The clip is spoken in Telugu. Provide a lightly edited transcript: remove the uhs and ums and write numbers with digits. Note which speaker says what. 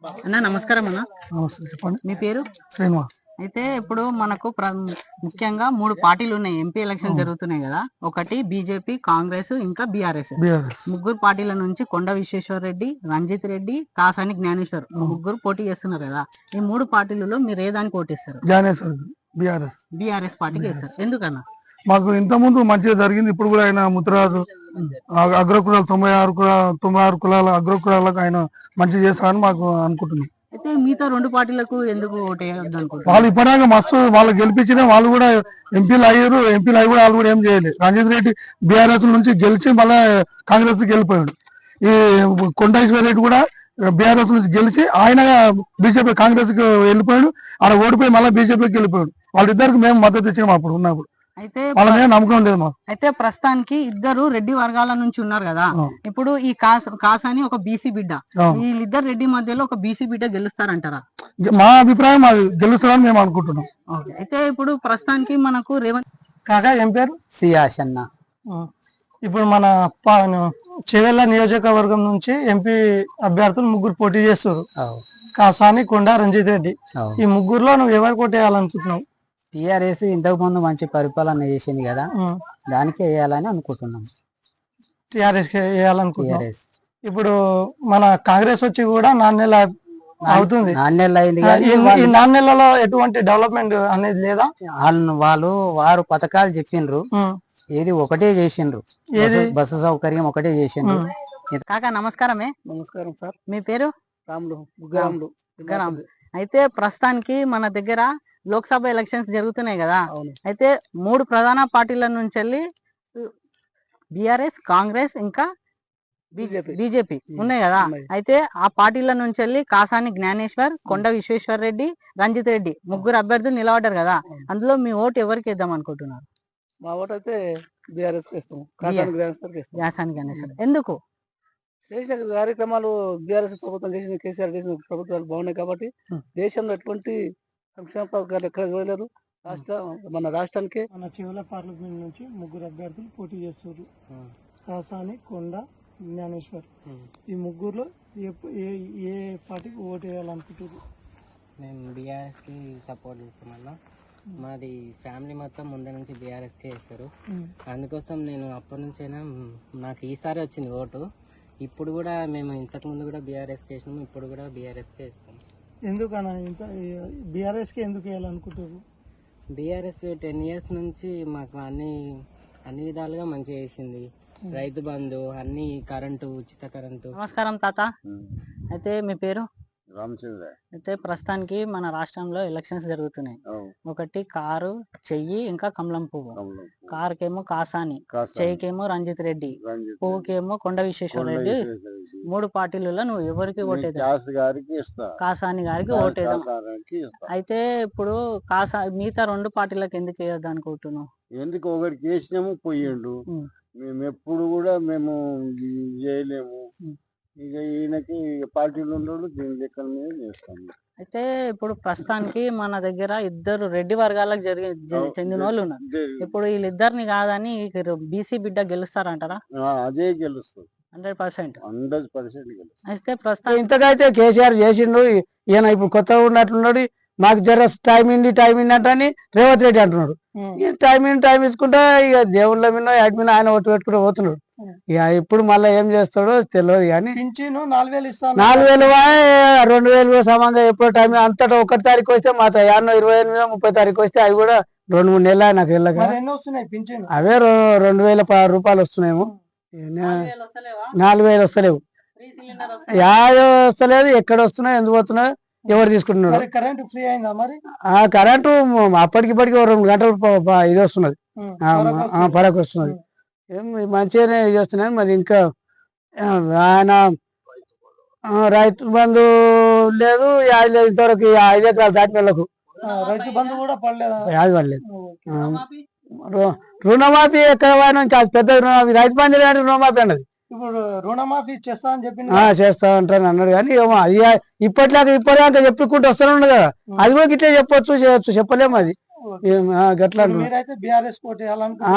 Speaker 1: అన్న నమస్కారం అన్న.
Speaker 2: నమస్తే, చెప్పండి.
Speaker 1: మీ పేరు?
Speaker 2: శ్రీనివాస్.
Speaker 1: అయితే ఇప్పుడు మనకు ముఖ్యంగా 3 పార్టీలు ఉన్నాయి. ఎంపీ ఎలక్షన్ జరుగుతున్నాయి కదా. ఒకటి బీజేపీ, కాంగ్రెస్, ఇంకా బీఆర్ఎస్. ముగ్గురు పార్టీల నుంచి కొండ విశ్వేశ్వర రెడ్డి, రంజిత్ రెడ్డి, కాసాని జ్ఞానేశ్వర్ ముగ్గురు పోటీ చేస్తున్నారు కదా. ఈ 3 పార్టీలలో మీరు ఏ దానికి ఓటేస్తారు? బీఆర్ఎస్ పార్టీకి వేస్తారు. ఎందుకన్నా?
Speaker 2: మాకు ఇంత ముందు మంచిగా జరిగింది. ఇప్పుడు కూడా ఆయన ముత్తరాజు అగ్రకులాలు 96 కులాల అగ్రకులాలకు ఆయన మంచి చేస్తారని మాకు అనుకుంటున్నాం.
Speaker 1: అయితే మిగతా 2 పార్టీలకు ఎందుకు ఓటేయద్దు అనుకుంటున్నారు?
Speaker 2: వాళ్ళు ఇప్పటిదాకా మస్తు వాళ్ళు గెలిపించిన వాళ్ళు కూడా ఎంపీలు అయ్యి కూడా వాళ్ళు కూడా ఏం చేయలేదు. రంజిత్ రెడ్డి బీఆర్ఎస్ నుంచి గెలిచి మళ్ళీ కాంగ్రెస్ గెలిపోయాడు. ఈ కొండేశ్వర రెడ్డి కూడా బీఆర్ఎస్ నుంచి గెలిచి ఆయన బీజేపీ కాంగ్రెస్ కి వెళ్ళిపోయాడు. ఆడ ఓడిపోయి మళ్ళీ బీజేపీకి వెళ్ళిపోయాడు. వాళ్ళిద్దరికి మేము మద్దతు ఇచ్చినాం అప్పుడు ఉన్నప్పుడు.
Speaker 1: అయితే
Speaker 2: వాళ్ళ మీద నమ్మకం లేదు మాకు.
Speaker 1: అయితే ప్రస్తుతానికి ఇద్దరు రెడ్డి వర్గాల నుంచి ఉన్నారు కదా. ఇప్పుడు ఈ కాసాని ఒక బీసీ బిడ్డ, వీళ్ళిద్దరు రెడ్డి మధ్యలో ఒక బీసీ బిడ్డ గెలుస్తారంటారా?
Speaker 2: మా అభిప్రాయం అది గెలుస్తారని మేము అనుకుంటున్నాం.
Speaker 1: అయితే ఇప్పుడు ప్రస్తుతానికి మనకు రేవంత్
Speaker 2: కాకా ఏం పేరు?
Speaker 1: సియాష్ అన్న.
Speaker 2: ఇప్పుడు మన చెవెళ్ళ నియోజకవర్గం నుంచి ఎంపీ అభ్యర్థులు 3 పోటీ చేస్తారు. కాసాని, కొండ, రంజిత్ రెడ్డి. ఈ ముగ్గురులో నువ్వు ఎవరు కొట్టేయాలనుకుంటున్నావు?
Speaker 1: టిఆర్ఎస్ ఇంతకు ముందు మంచి పరిపాలన చేసింది కదా, దానికి వేయాలని అనుకుంటున్నాం.
Speaker 2: టిఆర్ఎస్ వేయాలనుకుంటున్నాం. ఇప్పుడు మన కాంగ్రెస్ వచ్చి కూడా 4 నెలలు అవుతుంది.
Speaker 1: 4 నెలలు అయింది.
Speaker 2: ఈ 4 నెలలలో ఎటువంటి డెవలప్మెంట్ అనేది లేదా?
Speaker 1: వారు పథకాలు చెప్పిండ్రు, ఏది ఒకటే చేసిండ్రు. బస్సు సౌకర్యం ఒకటే చేసిండ్రు. కాకా నమస్కారమే.
Speaker 2: నమస్కారం సార్.
Speaker 1: మీ పేరు?
Speaker 2: రాములు.
Speaker 1: అయితే ప్రస్తుతానికి మన దగ్గర లోక్సభ ఎలక్షన్స్ జరుగుతున్నాయి కదా. అయితే 3 ప్రధాన పార్టీల నుంచి వెళ్ళి బీఆర్ఎస్, కాంగ్రెస్, ఇంకా బీజేపీ ఉన్నాయి కదా. అయితే ఆ పార్టీల నుంచి వెళ్ళి కాసాని జ్ఞానేశ్వర్, కొండ విశ్వేశ్వర రెడ్డి, రంజిత్ రెడ్డి ముగ్గురు అభ్యర్థులు నిలబడ్డారు కదా. అందులో మీ ఓటు ఎవరికి వేద్దాం అనుకుంటున్నారు?
Speaker 2: మా ఓటు అయితే బీఆర్ఎస్
Speaker 1: కాసాని జ్ఞానేశ్వర్. ఎందుకు?
Speaker 2: చేసిన కార్యక్రమాలు బీఆర్ఎస్ ప్రభుత్వం చేసిన, కేసీఆర్ చేసిన ప్రభుత్వాలు బాగున్నాయి కాబట్టి దేశంలో ఎటువంటి సంక్షేమ పథకాలు ఎక్కడ చూడలేదు. మన రాష్ట్రానికి మన చివరి పార్లమెంట్ నుంచి 3 అభ్యర్థులు పోటీ చేస్తారు. కాసాని, కొండ, జ్ఞానేశ్వర్. ఈ ముగ్గురులో ఏ పార్టీకి ఓటు వేయాలనుకుంటారు?
Speaker 3: మేము బీఆర్ఎస్ కి సపోర్ట్ చేస్తామన్నా. మాది ఫ్యామిలీ మొత్తం ముందు నుంచి బీఆర్ఎస్ కి వేస్తారు. అందుకోసం నేను అప్పటి నుంచైనా నాకు ఈసారి వచ్చింది ఓటు. ఇప్పుడు కూడా మేము ఇంతకు ముందు కూడా బీఆర్ఎస్ కి వేసినాము, ఇప్పుడు కూడా బీఆర్ఎస్ కి వేస్తాం.
Speaker 2: ఎందుకన్నా బీఆర్ఎస్ కి ఎందుకు వేయాలనుకుంటారు?
Speaker 3: బీఆర్ఎస్ 10 years నుంచి మాకు అన్ని విధాలుగా మంచిగా చేసింది. రైతు బంధు, అన్ని కరెంటు, ఉచిత కరెంటు.
Speaker 1: నమస్కారం తాత. అయితే మీ పేరు?
Speaker 4: రామచంద్ర.
Speaker 1: అయితే ప్రస్తుతానికి మన రాష్ట్రంలో ఎలక్షన్స్ జరుగుతున్నాయి. ఒకటి కారు, చెయ్యి, ఇంకా కమలం పువ్వు. కారుకేమో కాసాని, చెయ్యికేమో రంజిత్ రెడ్డి, పువ్వుకేమో కొండ విశ్వేశ్వర రెడ్డి. 3 పార్టీలలో నువ్వు ఎవరికి ఓటేద్దాం? కాసాని గారికి ఓటేద్దాం. అయితే ఇప్పుడు మిగతా 2 పార్టీలకు ఎందుకు వేయద్దు అనుకుంటున్నావు?
Speaker 4: ఎందుకు ఒకరికి వేసినాము, పోయిండు. మేము ఎప్పుడు కూడా మేము చేయలేము. ఇక ఈయనకి పార్టీలు ఉండడు, దీని లెక్కల మీద చేస్తాము.
Speaker 1: అయితే ఇప్పుడు ప్రస్తుతానికి మన దగ్గర 2 రెడ్డి వర్గాలకు చెందిన వాళ్ళు ఉన్నారు. ఇప్పుడు వీళ్ళిద్దరిని కాదని బీసీ బిడ్డ గెలుస్తారంటారా?
Speaker 4: అదే గెలుస్తుంది.
Speaker 1: 100%
Speaker 4: గెలుస్తుంది.
Speaker 1: అయితే ప్రస్తుతం
Speaker 2: ఇంతకైతే కేసీఆర్ చేసిండు. ఈయన ఇప్పుడు కొత్తగా ఉన్నట్లున్నాడు. మాకు జర టైం ఇండి అంటని రేవంత్ రెడ్డి అంటున్నాడు. టైం ఇచ్చుకుంటా ఇక దేవుళ్ళ మీద వాటి మీద ఆయన ఓటు పెట్టుకుంటూ పోతున్నాడు. ఇక ఇప్పుడు మళ్ళీ ఏం చేస్తాడో తెలియదు. కానీ 4,000 2,000 సమంగా ఎప్పుడు టైం అంతటా 1 తారీఖు వస్తే మా 28, 30 తారీఖు వస్తే అవి కూడా 2-3 నెలలు నాకు వెళ్ళక అవే 2,000 రూపాయలు వస్తున్నాయేమో. 4,000 వస్తలేవు. వస్తలేదు. ఎక్కడ వస్తున్నాయి, ఎందుకు వస్తున్నాయి, ఎవరు తీసుకుంటున్నారు? కరెంటు ఫ్రీ అయిందా మరి? కరెంటు అప్పటికిప్పటికి 2 గంటలు ఇది వస్తున్నది, పరకు వస్తున్నది. ఏం మంచిగానే చేస్తున్నాయి. మరి ఇంకా ఆయన రైతు బంధు లేదు, యాది లేదు. ఇంతవరకు 5 ఎకరాలు దాటిన వాళ్ళకు రైతు బంధు కూడా యాది పడలేదు. రుణమాఫీ ఎక్కడ నుంచి పెద్ద రుణమాఫీ, రైతు బంధు లేని రుణమాఫీ అన్నది. ఇప్పుడు రుణమాఫీ చేస్తా అని చెప్పి చేస్తా అంటాను అన్నాడు. కానీ ఇప్పటిదాకా చెప్పుకుంటూ వస్తూనే ఉండదు కదా. అది కూడా గిట్లే చెప్పొచ్చు, చేయొచ్చు, చెప్పలేము. అది గట్లా.